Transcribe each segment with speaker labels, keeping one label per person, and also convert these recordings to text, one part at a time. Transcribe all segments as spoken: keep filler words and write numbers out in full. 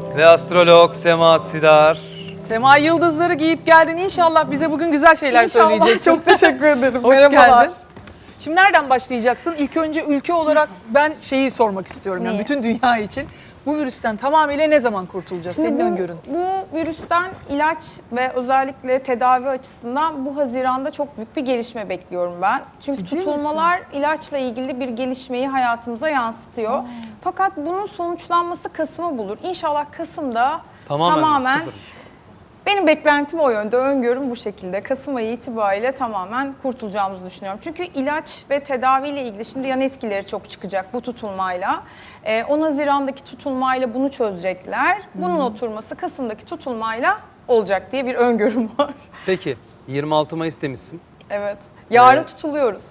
Speaker 1: Ve astrolog Sema Sidar.
Speaker 2: Sema yıldızları giyip geldin. İnşallah bize bugün güzel şeyler
Speaker 3: İnşallah.
Speaker 2: söyleyeceksin.
Speaker 3: Çok teşekkür ederim.
Speaker 2: Hoş
Speaker 3: Merhabalar.
Speaker 2: geldin. Şimdi nereden başlayacaksın? İlk önce ülke olarak ben şeyi sormak istiyorum. Yani
Speaker 3: Neyi?
Speaker 2: bütün dünya için. Bu virüsten tamamıyla ne zaman kurtulacağız?
Speaker 3: Şimdi
Speaker 2: Senin
Speaker 3: bu,
Speaker 2: öngörün.
Speaker 3: bu virüsten ilaç ve özellikle tedavi açısından bu Haziran'da çok büyük bir gelişme bekliyorum ben. Çünkü
Speaker 2: Ciddi
Speaker 3: tutulmalar ilaçla ilgili bir gelişmeyi hayatımıza yansıtıyor.
Speaker 2: Hmm.
Speaker 3: Fakat bunun sonuçlanması Kasım'ı bulur. İnşallah Kasım'da
Speaker 1: Tamamen,
Speaker 3: tamamen
Speaker 1: sıfır.
Speaker 3: benim beklentim o yönde, öngörüm bu şekilde. Kasım ayı itibariyle tamamen kurtulacağımızı düşünüyorum. Çünkü ilaç ve tedaviyle ilgili şimdi yan etkileri çok çıkacak bu tutulmayla. Ee, on Haziran'daki tutulmayla bunu çözecekler. Bunun oturması Kasım'daki tutulmayla olacak diye bir öngörüm var.
Speaker 1: Peki yirmi altı Mayıs demişsin.
Speaker 3: Evet. Yarın
Speaker 1: Evet.
Speaker 3: tutuluyoruz.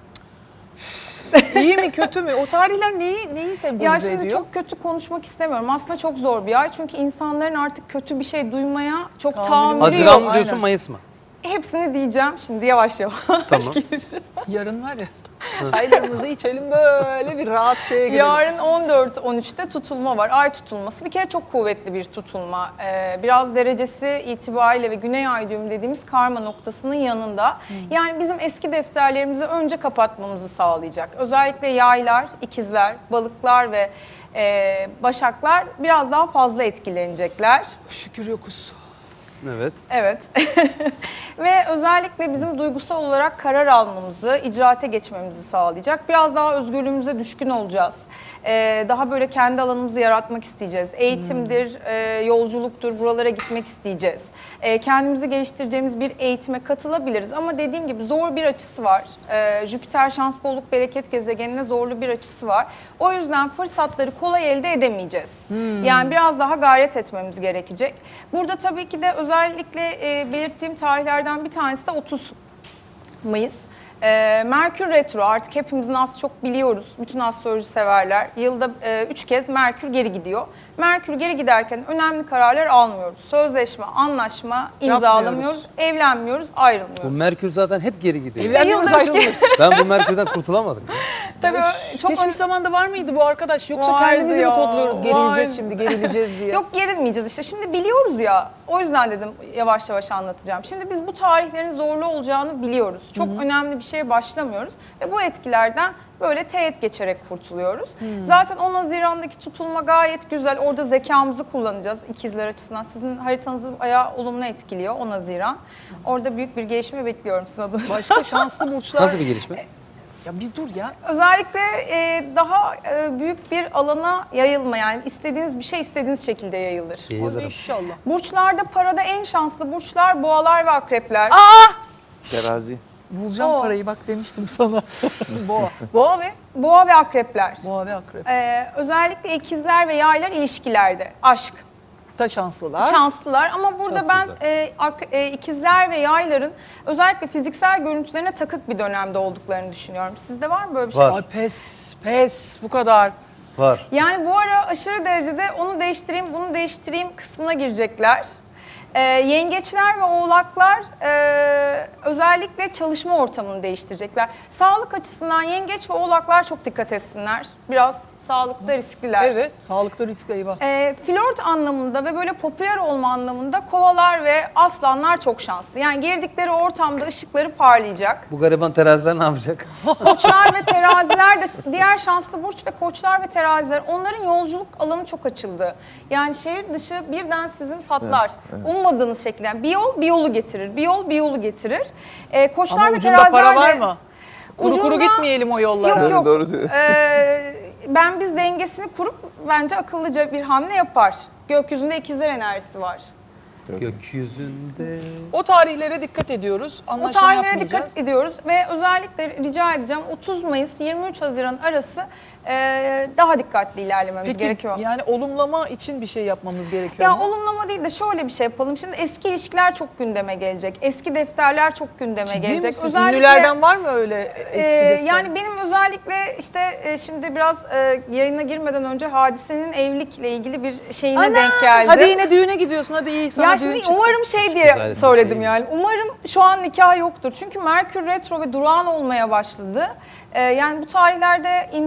Speaker 2: İyi mi kötü mü? O tarihler neyi, neyi sembolize
Speaker 3: Ya şimdi
Speaker 2: ediyor?
Speaker 3: çok kötü konuşmak istemiyorum. Aslında çok zor bir ay. Çünkü insanların artık kötü bir şey duymaya çok
Speaker 2: Tahammülü
Speaker 3: tahammülü
Speaker 1: Haziran
Speaker 3: yok.
Speaker 1: mı diyorsun,
Speaker 2: aynen.
Speaker 1: Mayıs mı?
Speaker 3: Hepsini diyeceğim şimdi yavaş yavaş
Speaker 1: Tamam.
Speaker 3: gireceğim.
Speaker 2: Yarın var ya çaylarımızı içelim böyle bir rahat şeye girelim.
Speaker 3: Yarın on dört on üçte tutulma var. Ay tutulması. Bir kere çok kuvvetli bir tutulma. Ee, biraz derecesi itibariyle ve güney ay düğümü dediğimiz karma noktasının yanında. Yani bizim eski defterlerimizi önce kapatmamızı sağlayacak. Özellikle yaylar, ikizler, balıklar ve e, başaklar biraz daha fazla etkilenecekler.
Speaker 2: Şükür yokuz.
Speaker 1: Evet.
Speaker 3: Evet. Ve özellikle bizim duygusal olarak karar almamızı, icraate geçmemizi sağlayacak. Biraz daha özgürlüğümüze düşkün olacağız. Ee, daha böyle kendi alanımızı yaratmak isteyeceğiz. Eğitimdir, e, yolculuktur, buralara gitmek isteyeceğiz. E, kendimizi geliştireceğimiz bir eğitime katılabiliriz. Ama dediğim gibi zor bir açısı var. E, Jüpiter şans, bolluk, bereket gezegenine zorlu bir açısı var. O yüzden fırsatları kolay elde edemeyeceğiz. Yani biraz daha gayret etmemiz gerekecek. Burada tabii ki de özellikle e, belirttiğim tarihlerden bir tanesi de otuz Mayıs. Ee, Merkür Retro artık hepimizin az çok biliyoruz. Bütün astroloji severler. Yılda e, üç kez Merkür geri gidiyor. Merkür geri giderken önemli kararlar almıyoruz. Sözleşme, anlaşma imzalamıyoruz. Evlenmiyoruz, ayrılmıyoruz.
Speaker 1: Bu Merkür zaten hep geri gidiyor.
Speaker 3: İşte
Speaker 2: Evlenmiyoruz,
Speaker 3: yılda üç kez-
Speaker 2: ayrılıyoruz.
Speaker 1: Ben bu Merkür'den kurtulamadım.
Speaker 3: Tabii ö- çok
Speaker 2: Geçmiş
Speaker 3: önemli.
Speaker 2: zamanda var mıydı bu arkadaş? Yoksa
Speaker 3: Vardı
Speaker 2: kendimizi mi
Speaker 3: ya,
Speaker 2: kodluyoruz? Gerileceğiz
Speaker 3: vardı.
Speaker 2: şimdi, gerileceğiz diye.
Speaker 3: Yok gerilmeyeceğiz işte. Şimdi biliyoruz ya. O yüzden dedim yavaş yavaş anlatacağım. Şimdi biz bu tarihlerin zorlu olacağını biliyoruz. Çok önemli bir şeye başlamıyoruz. Ve bu etkilerden böyle teğet geçerek kurtuluyoruz. Zaten on Haziran'daki tutulma gayet güzel. Orada zekamızı kullanacağız ikizler açısından. Sizin haritanızı bayağı olumlu etkiliyor on Haziran. Orada büyük bir gelişme bekliyorum sizin adınıza.
Speaker 2: Başka şanslı burçlar.
Speaker 1: Nasıl bir gelişme?
Speaker 2: Ya bir dur ya.
Speaker 3: Özellikle e, daha e, büyük bir alana yayılma, yani istediğiniz bir şey istediğiniz şekilde yayılır.
Speaker 2: Hadi
Speaker 1: Yayılırım.
Speaker 2: inşallah.
Speaker 3: Burçlarda parada en şanslı burçlar boğalar ve akrepler.
Speaker 4: Terazi.
Speaker 2: Bulacağım
Speaker 3: Oo.
Speaker 2: parayı bak demiştim sana. Boğa. Boğa ve
Speaker 3: Boğa ve akrepler.
Speaker 2: Boğa ve akrep.
Speaker 3: Ee, özellikle ikizler ve yaylar ilişkilerde, aşk,
Speaker 2: Da şanslılar.
Speaker 3: şanslılar. Ama burada
Speaker 1: Şanssızlar.
Speaker 3: ben e, ak- e, ikizler ve yayların özellikle fiziksel görüntülerine takık bir dönemde olduklarını düşünüyorum. Sizde var mı böyle bir şey?
Speaker 1: Var.
Speaker 2: Ay pes, pes bu kadar.
Speaker 1: Var.
Speaker 3: Yani bu ara aşırı derecede onu değiştireyim, bunu değiştireyim kısmına girecekler. Ee, yengeçler ve oğlaklar e, özellikle çalışma ortamını değiştirecekler. Sağlık açısından yengeç ve oğlaklar çok dikkat etsinler. Biraz sağlıkta riskliler.
Speaker 2: Evet, sağlıkta riskli eyvah.
Speaker 3: Ee, flört anlamında ve böyle popüler olma anlamında kovalar ve aslanlar çok şanslı. Yani girdikleri ortamda ışıkları parlayacak.
Speaker 1: Bu gariban teraziler ne yapacak?
Speaker 3: Koçlar ve teraziler de diğer şanslı burç ve koçlar ve teraziler, onların yolculuk alanı çok açıldı. Yani şehir dışı birden sizin patlar. Ummadığınız şekilde. Yani bir yol bir yolu getirir. Bir yol bir yolu getirir. Ee, koçlar
Speaker 2: Ama
Speaker 3: ve
Speaker 2: ucunda
Speaker 3: teraziler
Speaker 2: para var
Speaker 3: de-
Speaker 2: mı? Kuru kuru
Speaker 3: Ucunda-
Speaker 2: gitmeyelim o yollara.
Speaker 3: Yok yok.
Speaker 4: Doğru söylüyor.
Speaker 3: Ee, ben biz dengesini kurup bence akıllıca bir hamle yapar. Gökyüzünde ikizler enerjisi var.
Speaker 1: Gökyüzünde.
Speaker 2: O tarihlere dikkat ediyoruz.
Speaker 3: O
Speaker 2: Anlaşma
Speaker 3: tarihlere
Speaker 2: yapmayacağız.
Speaker 3: dikkat ediyoruz ve özellikle rica edeceğim otuz Mayıs yirmi üç Haziran arası e, daha dikkatli ilerlememiz
Speaker 2: Peki
Speaker 3: gerekiyor.
Speaker 2: yani olumlama için bir şey yapmamız gerekiyor
Speaker 3: Ya
Speaker 2: mu?
Speaker 3: olumlama değil de şöyle bir şey yapalım. Şimdi eski ilişkiler çok gündeme gelecek. Eski defterler çok gündeme
Speaker 2: Ciddi
Speaker 3: gelecek.
Speaker 2: misin? Ünlülerden var mı öyle eski
Speaker 3: Ee,
Speaker 2: defter?
Speaker 3: yani benim özellikle işte e, şimdi biraz e, yayına girmeden önce Hadise'nin evlilikle ilgili bir şeyine
Speaker 2: Ana,
Speaker 3: denk geldi.
Speaker 2: Hadi yine düğüne gidiyorsun, hadi iyi sana
Speaker 3: Ya
Speaker 2: düğün
Speaker 3: şimdi
Speaker 2: çıktı.
Speaker 3: umarım şey
Speaker 1: güzel
Speaker 3: diye
Speaker 1: bir
Speaker 3: söyledim
Speaker 1: şey.
Speaker 3: yani. Umarım şu an nikah yoktur. Çünkü Merkür retro ve durağan olmaya başladı. Ee, yani bu tarihlerde imza atma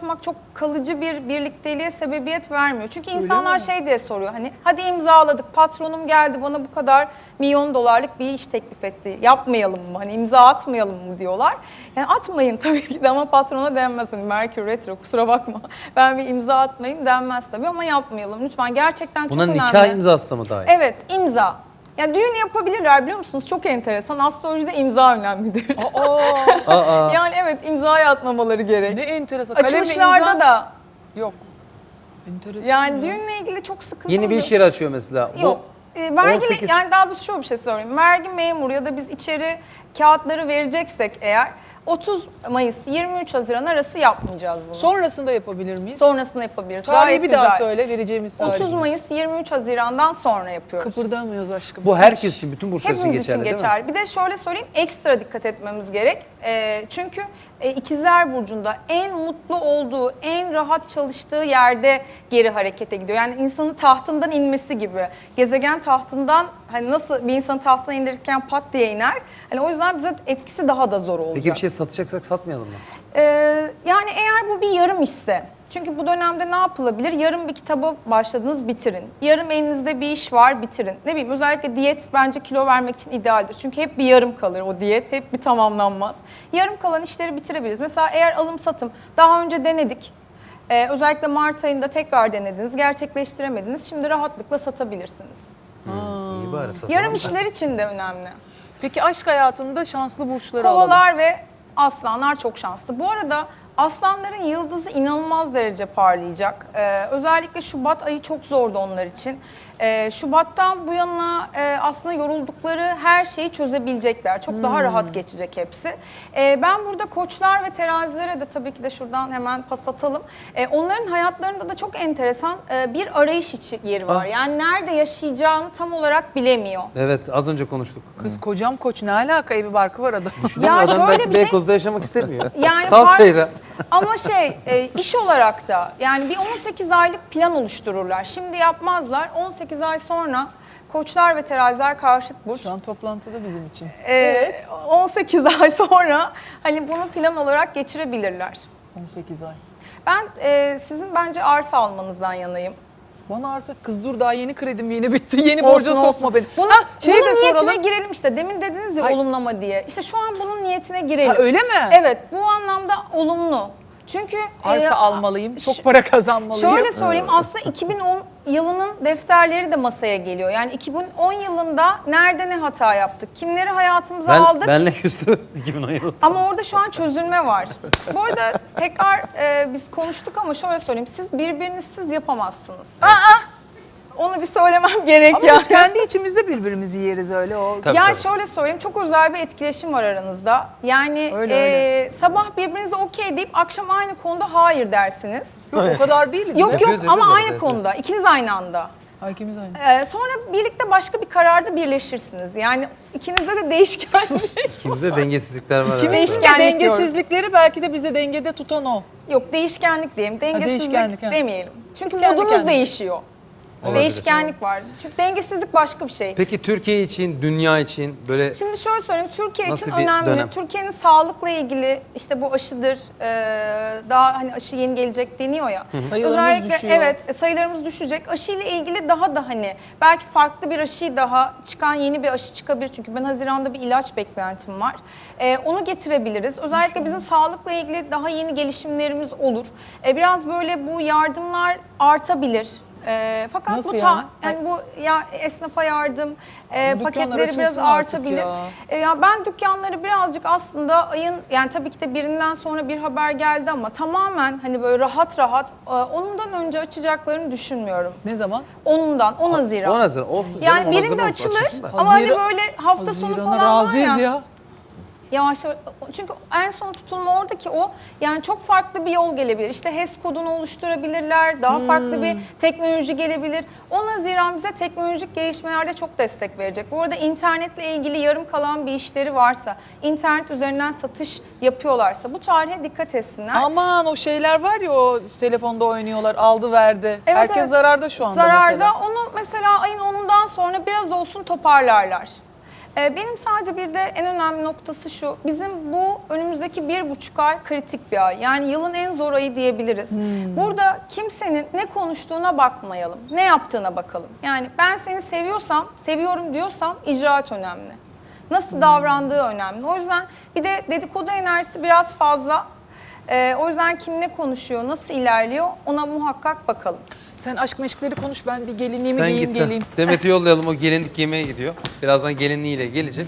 Speaker 3: yapmak çok kalıcı bir birlikteliğe sebebiyet vermiyor. Çünkü insanlar şey diye soruyor hani hadi imzaladık, patronum geldi bana bu kadar milyon dolarlık bir iş teklif etti. Yapmayalım mı? Hani imza atmayalım mı diyorlar. Yani atmayın tabii ki de ama patrona denmez. Hani Merkür Retro kusura bakma. Ben bir imza atmayayım denmez tabii ama yapmayalım. Lütfen gerçekten
Speaker 1: Buna
Speaker 3: çok önemli.
Speaker 1: nikah imzası da mı dahil?
Speaker 3: Evet, imza. Ya düğün yapabilirler biliyor musunuz? Çok enteresan. Astrolojide imza önemlidir.
Speaker 2: Aa,
Speaker 1: Aa,
Speaker 3: Yani evet imzaya atmamaları gerek.
Speaker 2: ne enteresan. Kalemle
Speaker 3: Açılışlarda
Speaker 2: imza-
Speaker 3: da
Speaker 2: Yok. Enteresan.
Speaker 3: yani
Speaker 2: ya.
Speaker 3: düğünle ilgili çok sıkıntı
Speaker 1: yeni bir iş yeri açıyor mesela. Bu
Speaker 3: Yok. E, vergili,
Speaker 1: on sekiz
Speaker 3: yani daha doğrusu şöyle bir şey söyleyeyim. Vergi memuru ya da biz içeri kağıtları vereceksek eğer otuz Mayıs yirmi üç Haziran arası yapmayacağız bunu.
Speaker 2: Sonrasında yapabilir miyiz?
Speaker 3: Sonrasında yapabiliriz.
Speaker 2: Tarihi
Speaker 3: Gayet
Speaker 2: bir daha
Speaker 3: güzel.
Speaker 2: söyle vereceğimiz tarih.
Speaker 3: otuz Mayıs yirmi üç Haziran'dan sonra yapıyoruz.
Speaker 2: Kıpırdamıyoruz aşkım.
Speaker 1: bu herkes için, bütün burçlar için
Speaker 3: Hepimiz
Speaker 1: geçerli
Speaker 3: için
Speaker 1: değil mi?
Speaker 3: geçerli. Bir de şöyle söyleyeyim, ekstra dikkat etmemiz gerek. Ee, çünkü e, İkizler Burcu'nda en mutlu olduğu, en rahat çalıştığı yerde geri harekete gidiyor. Yani insanın tahtından inmesi gibi. Gezegen tahtından, hani nasıl bir insanı tahtından indirirken pat diye iner. Hani o yüzden bize etkisi daha da zor olacak.
Speaker 1: Peki bir şey satacaksak satmayalım mı?
Speaker 3: Ee, yani eğer bu bir yarım işse, çünkü bu dönemde ne yapılabilir? Yarım bir kitaba başladınız, bitirin. Yarım elinizde bir iş var, bitirin. Ne bileyim, özellikle diyet bence kilo vermek için idealdir. Çünkü hep bir yarım kalır o diyet, hep bir tamamlanmaz. Yarım kalan işleri bitirebiliriz. Mesela eğer alım satım daha önce denedik. Ee, özellikle Mart ayında tekrar denediniz, gerçekleştiremediniz. Şimdi rahatlıkla satabilirsiniz.
Speaker 1: İyi bari satalım.
Speaker 3: Yarım işler için de önemli.
Speaker 2: Peki aşk hayatında şanslı burçları alalım.
Speaker 3: Kovalar ve aslanlar çok şanslı. Bu arada aslanların yıldızı inanılmaz derece parlayacak. Ee, özellikle Şubat ayı çok zordu onlar için. Ee, Şubat'tan bu yana e, aslında yoruldukları her şeyi çözebilecekler. Çok daha rahat geçecek hepsi. Ee, ben burada koçlar ve terazilere de tabii ki de şuradan hemen pas atalım. Ee, onların hayatlarında da çok enteresan e, bir arayış içi yeri var.
Speaker 1: Ah.
Speaker 3: Yani nerede yaşayacağını tam olarak bilemiyor.
Speaker 1: Evet, az önce konuştuk.
Speaker 2: Kız kocam koç ne alaka, evi barkı var adam.
Speaker 3: Ya
Speaker 1: Adam
Speaker 3: şöyle
Speaker 1: belki
Speaker 3: bir şey-
Speaker 1: Beykoz'da yaşamak istemiyor.
Speaker 3: Yani
Speaker 1: Sal
Speaker 3: fark-
Speaker 1: seyre.
Speaker 3: Ama şey e, iş olarak da yani bir on sekiz aylık plan oluştururlar. Şimdi yapmazlar. on sekiz ay sonra koçlar ve teraziler karşıt burç.
Speaker 2: Şu an toplantıda bizim için.
Speaker 3: E, on sekiz ay sonra hani bunu plan olarak geçirebilirler.
Speaker 2: on sekiz ay.
Speaker 3: Ben e, sizin bence arsa almanızdan yanayım.
Speaker 2: Bana arsa kız dur daha yeni kredim yeni bitti. Yeni
Speaker 3: Olsun,
Speaker 2: borca sokma
Speaker 3: olsun.
Speaker 2: beni.
Speaker 3: Bunu,
Speaker 2: Ha, şeyi
Speaker 3: bunun
Speaker 2: de
Speaker 3: niyetine
Speaker 2: soralım.
Speaker 3: girelim işte. Demin dediniz ya
Speaker 2: Ay.
Speaker 3: olumlama diye. İşte şu an bunun niyetine girelim.
Speaker 2: Ha, öyle mi?
Speaker 3: Evet, bu anlamda olumlu. Çünkü
Speaker 2: Arsa
Speaker 3: e,
Speaker 2: almalıyım, çok
Speaker 3: ş-
Speaker 2: para kazanmalıyım.
Speaker 3: Şöyle söyleyeyim, aslında iki bin on yılının defterleri de masaya geliyor. Yani iki bin on yılında nerede ne hata yaptık, kimleri hayatımıza
Speaker 1: Ben,
Speaker 3: aldık.
Speaker 1: benle küstü iki bin on yılı.
Speaker 3: Ama orada şu an çözülme var. Bu arada tekrar e, biz konuştuk ama şöyle söyleyeyim, siz birbirinizsiz yapamazsınız. Onu bir söylemem gerek
Speaker 2: Ama
Speaker 3: ya.
Speaker 2: biz kendi içimizde birbirimizi yeriz öyle. O
Speaker 1: Tabii,
Speaker 3: Ya
Speaker 1: tabii.
Speaker 3: şöyle söyleyeyim, çok özel bir etkileşim var aranızda. Yani
Speaker 2: Öyle,
Speaker 3: e,
Speaker 2: öyle.
Speaker 3: sabah birbirinize okey deyip akşam aynı konuda hayır dersiniz.
Speaker 2: Yok, o kadar değiliz.
Speaker 3: Yok
Speaker 2: be.
Speaker 3: yok
Speaker 1: Yapıyoruz,
Speaker 3: ama
Speaker 1: yapıyoruz,
Speaker 3: aynı
Speaker 1: evet,
Speaker 3: konuda, ikiniz aynı anda.
Speaker 2: Ha, ikimiz aynı.
Speaker 3: Ee, sonra birlikte başka bir kararda birleşirsiniz. Yani ikinizde de değişken.
Speaker 1: İkimizde dengesizlikler var.
Speaker 2: Kimin
Speaker 1: evet.
Speaker 3: Değişkenlik
Speaker 2: dengesizlikleri belki de bize dengede tutan o.
Speaker 3: Yok, değişkenlik diyeyim. Dengesizlik
Speaker 2: değişkenlik, ha.
Speaker 3: demeyelim. Çünkü
Speaker 2: Biz kendi
Speaker 3: modunuz
Speaker 2: kendine.
Speaker 3: değişiyor.
Speaker 1: Olabilir.
Speaker 3: Değişkenlik var. Çünkü dengesizlik başka bir şey.
Speaker 1: Peki Türkiye için, dünya için böyle
Speaker 3: Şimdi şöyle söyleyeyim, Türkiye
Speaker 1: Nasıl
Speaker 3: için
Speaker 1: bir
Speaker 3: önemli.
Speaker 1: dönem?
Speaker 3: Türkiye'nin sağlıkla ilgili işte bu aşıdır, ee, daha hani aşı yeni gelecek deniyor ya.
Speaker 2: Sayılarımız
Speaker 3: Özellikle
Speaker 2: düşüyor.
Speaker 3: evet e, sayılarımız düşecek. Aşıyla ilgili daha da hani belki farklı bir aşı daha çıkan yeni bir aşı çıkabilir. Çünkü ben Haziran'da bir ilaç beklentim var. Ee, onu getirebiliriz. Özellikle bizim sağlıkla ilgili daha yeni gelişimlerimiz olur. Ee, biraz böyle bu yardımlar artabilir. Ee, fakat
Speaker 2: Nasıl
Speaker 3: bu ta,
Speaker 2: yani?
Speaker 3: yani bu ya esnafa yardım e,
Speaker 2: Ama dükkanlar
Speaker 3: paketleri biraz
Speaker 2: açılsın artık
Speaker 3: artabilir.
Speaker 2: ya.
Speaker 3: E, ya ben dükkanları birazcık aslında ayın yani tabii ki de birinden sonra bir haber geldi ama tamamen hani böyle rahat rahat e, onundan önce açacaklarını düşünmüyorum.
Speaker 2: Ne zaman?
Speaker 3: Onundan on Haziran.
Speaker 1: on Haziran olsun canım.
Speaker 3: Yani
Speaker 1: on
Speaker 3: birinde
Speaker 1: Haziran
Speaker 3: açılır
Speaker 1: açılsın da.
Speaker 3: ama hani
Speaker 2: Haziran-
Speaker 3: böyle hafta sonu
Speaker 2: Haziran'a
Speaker 3: falan var
Speaker 2: razıyız
Speaker 3: ya.
Speaker 2: ya.
Speaker 3: Yavaş yavaş çünkü en son tutulma oradaki o yani çok farklı bir yol gelebilir. İşte H E S kodunu oluşturabilirler. Daha farklı bir teknoloji gelebilir. on Haziran bize teknolojik gelişmelerde çok destek verecek. Bu arada internetle ilgili yarım kalan bir işleri varsa, internet üzerinden satış yapıyorlarsa bu tarihe dikkat etsinler.
Speaker 2: Aman o şeyler var ya o telefonda oynuyorlar aldı verdi.
Speaker 3: Evet,
Speaker 2: Herkes
Speaker 3: evet.
Speaker 2: zararda şu anda
Speaker 3: Zararda
Speaker 2: mesela.
Speaker 3: onu mesela ayın onundan sonra biraz olsun toparlarlar. Ee, benim sadece bir de en önemli noktası şu. Bizim bu önümüzdeki bir buçuk ay kritik bir ay. Yani yılın en zor ayı diyebiliriz. Burada kimsenin ne konuştuğuna bakmayalım. Ne yaptığına bakalım. Yani ben seni seviyorsam, seviyorum diyorsam icraat önemli. Nasıl davrandığı önemli. O yüzden bir de dedikodu enerjisi biraz fazla. Ee, o yüzden kim ne konuşuyor, nasıl ilerliyor ona muhakkak bakalım.
Speaker 2: Sen aşk meşkleri konuş, ben bir gelinliğimi
Speaker 1: Sen
Speaker 2: giyeyim
Speaker 1: git sen.
Speaker 2: geleyim.
Speaker 1: Demet'i yollayalım, o gelinlik yemeğe gidiyor. Birazdan gelinliğiyle gelecek.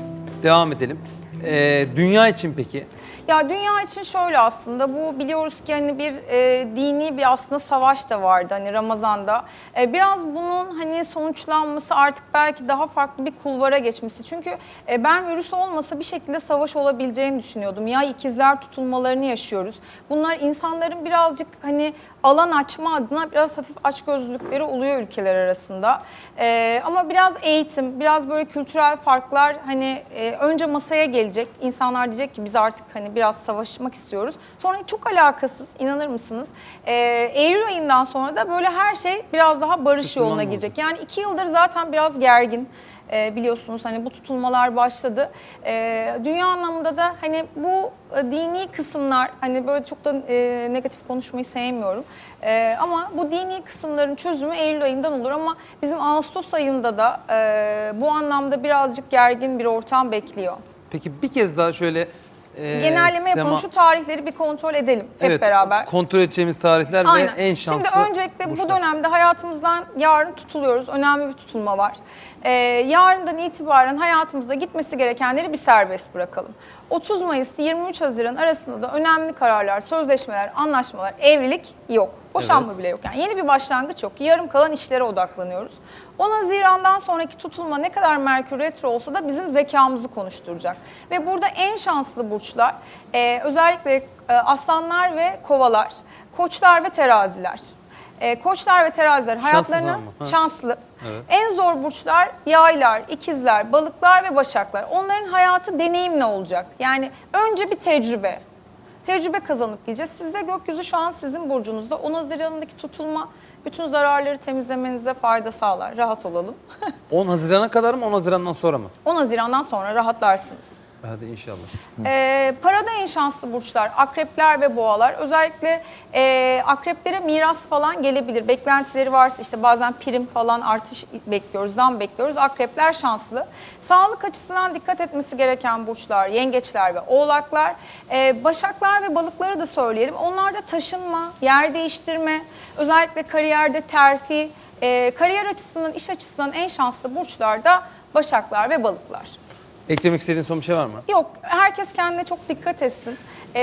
Speaker 1: Devam edelim. Ee, dünya için peki?
Speaker 3: Ya dünya için şöyle aslında bu biliyoruz ki hani bir e, dini bir aslında savaş da vardı hani Ramazan'da. E, biraz bunun hani sonuçlanması artık belki daha farklı bir kulvara geçmesi. Çünkü e, ben virüs olmasa bir şekilde savaş olabileceğini düşünüyordum. Ya ikizler tutulmalarını yaşıyoruz. Bunlar insanların birazcık hani alan açma adına biraz hafif açgözlülükleri oluyor ülkeler arasında. E, ama biraz eğitim, biraz böyle kültürel farklar hani e, önce masaya gelecek. İnsanlar diyecek ki biz artık hani biraz savaşmak istiyoruz. Sonra çok alakasız, inanır mısınız? Ee, Eylül ayından sonra da böyle her şey biraz daha barış
Speaker 1: Sıkılmam
Speaker 3: yoluna
Speaker 1: oldu.
Speaker 3: girecek. Yani iki yıldır zaten biraz gergin. Ee, biliyorsunuz hani bu tutulmalar başladı. Ee, dünya anlamında da hani bu e, dini kısımlar hani böyle çok da e, negatif konuşmayı sevmiyorum. Ee, ama bu dini kısımların çözümü Eylül ayından olur ama bizim Ağustos ayında da e, bu anlamda birazcık gergin bir ortam bekliyor.
Speaker 1: Peki bir kez daha şöyle e,
Speaker 3: Genelleme yapalım.
Speaker 1: Sema-
Speaker 3: Şu tarihleri bir kontrol edelim hep
Speaker 1: Evet,
Speaker 3: beraber.
Speaker 1: kontrol edeceğimiz tarihler
Speaker 3: Aynen.
Speaker 1: ve en şanslı
Speaker 3: Şimdi öncelikle
Speaker 1: burçlar.
Speaker 3: bu dönemde hayatımızdan yarın tutuluyoruz. Önemli bir tutulma var. Ee, yarından itibaren hayatımızda gitmesi gerekenleri bir serbest bırakalım. otuz Mayıs yirmi üç Haziran arasında da önemli kararlar, sözleşmeler, anlaşmalar, evlilik yok. Boşanma
Speaker 1: Evet.
Speaker 3: bile yok. Yani yeni bir başlangıç yok. Yarım kalan işlere odaklanıyoruz. on Haziran'dan sonraki tutulma ne kadar Merkür Retro olsa da bizim zekamızı konuşturacak. Ve burada en şanslı burçlar e, özellikle e, aslanlar ve kovalar, koçlar ve teraziler. E, koçlar ve teraziler hayatlarını
Speaker 1: ama, ha.
Speaker 3: şanslı.
Speaker 1: Evet.
Speaker 3: En zor burçlar yaylar, ikizler, balıklar ve başaklar. Onların hayatı deneyimle olacak. Yani önce bir tecrübe. Tecrübe kazanıp gideceğiz. Sizde gökyüzü şu an sizin burcunuzda. on Haziran'daki tutulma bütün zararları temizlemenize fayda sağlar. Rahat olalım.
Speaker 1: on Haziran'a kadar mı on Haziran'dan sonra mı?
Speaker 3: on Haziran'dan sonra rahatlarsınız.
Speaker 1: Hadi inşallah.
Speaker 3: Ee, parada en şanslı burçlar akrepler ve boğalar. Özellikle e, akreplere miras falan gelebilir. Beklentileri varsa işte bazen prim falan artış bekliyoruz, zam bekliyoruz. Akrepler şanslı. Sağlık açısından dikkat etmesi gereken burçlar yengeçler ve oğlaklar. Ee, başaklar ve balıkları da söyleyelim. Onlarda taşınma, yer değiştirme, özellikle kariyerde terfi, e, kariyer açısından, iş açısından en şanslı burçlar da başaklar ve balıklar.
Speaker 1: Eklemek istediğin son bir şey var mı?
Speaker 3: Yok, herkes kendine çok dikkat etsin.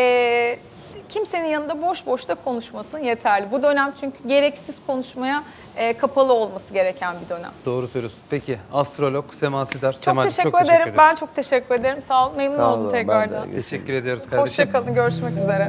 Speaker 3: Ee, kimsenin yanında boş boş da konuşmasın yeterli. Bu dönem çünkü gereksiz konuşmaya e, kapalı olması gereken bir dönem.
Speaker 1: Doğru söylüyorsun. Peki astrolog Sema Sidar.
Speaker 3: Çok
Speaker 1: Semacığım,
Speaker 3: teşekkür
Speaker 1: çok
Speaker 3: ederim.
Speaker 1: teşekkür
Speaker 3: Ben
Speaker 1: ederiz.
Speaker 3: çok teşekkür ederim. Sağ olun. Memnun
Speaker 4: Sağ
Speaker 3: oldum
Speaker 4: olun, ben de.
Speaker 3: tekrardan.
Speaker 1: Teşekkür ediyoruz kardeşim.
Speaker 3: Hoşça kalın. Görüşmek üzere.